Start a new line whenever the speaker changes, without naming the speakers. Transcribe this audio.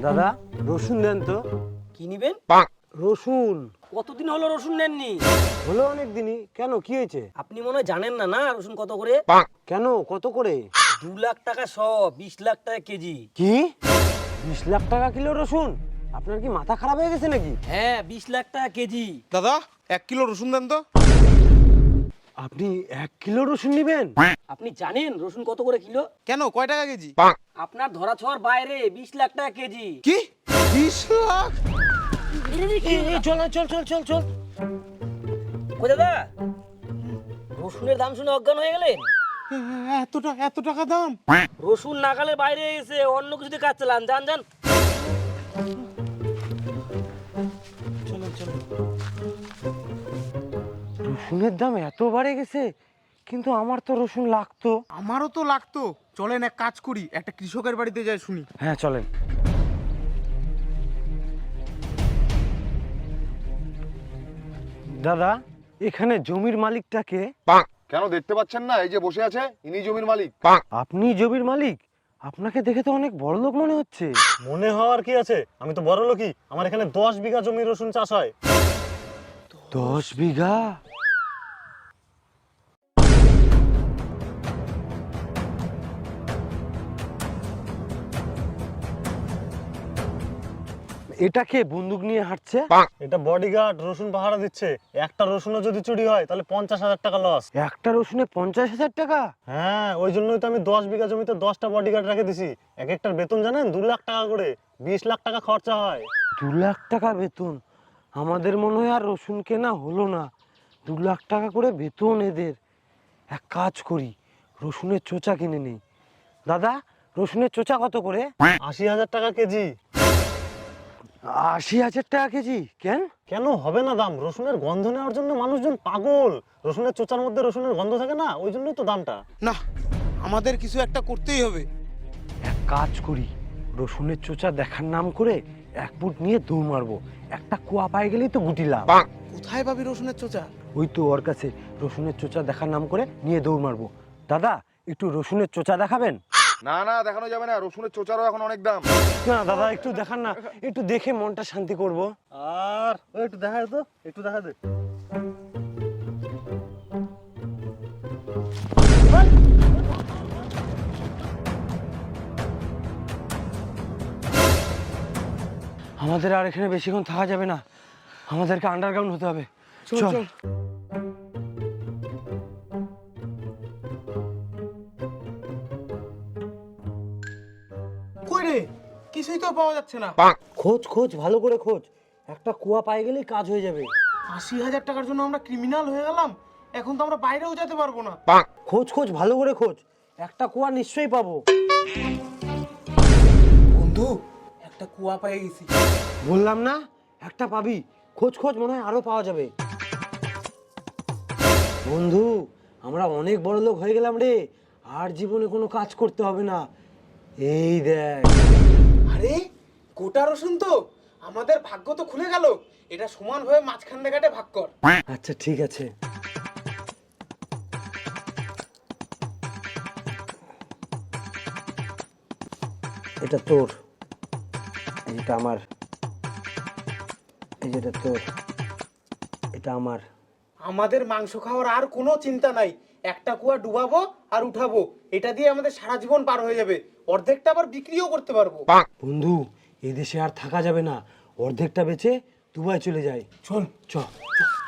দাদা রসুন দেন তো।
কি নিবেন?
রসুন।
কতদিন হলো রসুন নেননি?
হলো অনেক দিনই। কেন, কি হয়েছে?
আপনি মনে হয় জানেন না, না রসুন কত করে?
কেন, কত করে?
2 লাখ টাকা শ, 20 লাখ টাকা কেজি।
কি 20 লাখ টাকা কিলো রসুন? আপনার কি মাথা খারাপ হয়ে গেছে নাকি?
হ্যাঁ, 20 লাখ টাকা কেজি।
দাদা 1 কিলো রসুন দেন তো।
আপনি 1 কিলো রসুন নেবেন?
আপনি জানেন রসুন কত করে কিলো?
কেন, কয় টাকা কেজি?
আপনার ধরা ছোঁয়ার বাইরে 20 লাখ টাকা কেজি।
কি 20 লাখ?
চল চল চল চল চল।
কই দাদা, রসুনের দাম শুনে অজ্ঞান হয়ে গেলেন?
এত টাকা দাম?
রসুন নাগালের বাইরে এসে অন্য কিছুতে কাজ চালান। যান যান।
রসুনের দাম এত বাড়ে গেছে, কিন্তু আমার তো রসুন লাগতো।
আমারও তো লাগতো। চলেন এক কাজ করি, একটা কৃষকের বাড়িতে যাই শুনি।
হ্যাঁ চলেন। দাদা, এখানে জমির মালিকটাকে?
কেন দেখতে পাচ্ছেন না, এই যে বসে আছে, ইনি জমির মালিক।
আপনি জমির মালিক? আপনাকে দেখে তো অনেক বড় লোক মনে হচ্ছে।
মনে হওয়ার কি আছে, আমি তো বড় লোকই। আমার এখানে 10 বিঘা জমি রসুন চাষ হয়।
10 বিঘা? এটা কে বন্দুক নিয়ে হাঁটছে?
এটা বডিগার্ড রসুন পাহারা দিচ্ছে। একটা রসুনও যদি চুরি হয় তাহলে 50,000 টাকা লস।
একটা রসুনে 50,000 টাকা?
হ্যাঁ, ওই জন্যই তো আমি 10 বিঘা জমিতে 10টা বডিগার্ড রেখে দিছি। এক একটার বেতন জানেন 2 লাখ টাকা করে। 20 লাখ টাকা খরচা হয়।
2 লাখ টাকা বেতন? আমাদের মনে হয় আর রসুন কেনা হলো না। 2 লাখ টাকা করে বেতন এদের। এক কাজ করি, রসুনের চোচা কিনে নেই। দাদা, রসুনের চোচা কত করে?
80,000 টাকা কেজি।
80,000 টাকা কেজি? কেন?
কেন হবে না দাম? রসুনের গন্ধ নেওয়ার জন্য মানুষজন পাগল। রসুনের চোচার মধ্যে রসুনের গন্ধ থাকে না, ওই জন্যই তো দামটা।
না, আমাদের কিছু একটা করতেই হবে।
এক কাজ করি, রসুনের চোচা দেখার নাম করে 1 ফুট নিয়ে দৌড় মারবো। একটা কুয়া পাই গেলেই তো গুটি লাভ।
কোথায় পাবি রসুনের চোচা?
ওই তো ওর কাছে, রসুনের চোচা দেখার নাম করে নিয়ে দৌড় মারবো। দাদা, একটু রসুনের চোচা দেখাবেন?
না না, দেখানো যাবে না, রসুনের চোচারও এখন অনেক দাম।
না দাদা, একটু দেখান না, একটু দেখে মনটা শান্তি করব।
আর ওই একটু দেখা দে তো, একটু দেখা দে।
আমাদের আর এখানে বেশিক্ষণ থাকা যাবে না, আমাদেরকে আন্ডারগ্রাউন্ড হতে হবে। চল।
কই রে, কিছুই তো পাওয়া যাচ্ছে না।
খোঁজ খোঁজ, ভালো করে খোঁজ। একটা কুয়া পাই গেলেই কাজ হয়ে যাবে।
80,000 টাকার জন্য আমরা ক্রিমিনাল হয়ে গেলাম। এখন তো আমরা বাইরেও যেতে পারবো না।
খোঁজ খোঁজ, ভালো করে খোঁজ। একটা কুয়া নিশ্চয়ই পাবো।
বন্ধু, একটা কুয়া পেয়ে গেছি।
বললাম না, একটা পাবি। খোঁজ খোঁজ, মনে হয় আরো পাওয়া যাবে। বন্ধু, আমরা অনেক বড় লোক হয়ে গেলাম রে। আর জীবনে কোনো কাজ করতে হবে না। এই দেখ।
আরে গোটা রসুন তো, আমাদের ভাগ্য তো খুলে গেল। এটা সমানভাবে মাঝখান দেখাটে ভাগ কর।
আচ্ছা ঠিক আছে। এটা তোর, এটা আমার, এই যেটা তোর, এটা আমার।
আমাদের মাংস খাওয়ার আর কোনো চিন্তা নাই। একটা কুয়া ডুবাবো আর উঠাবো, এটা দিয়ে আমাদের সারা জীবন পার হয়ে যাবে। অর্ধেকটা আবার বিক্রিও করতে পারবো।
বন্ধু, এই দেশে আর থাকা যাবে না। অর্ধেকটা বেচে দুবাই চলে যায়।
চল
চল।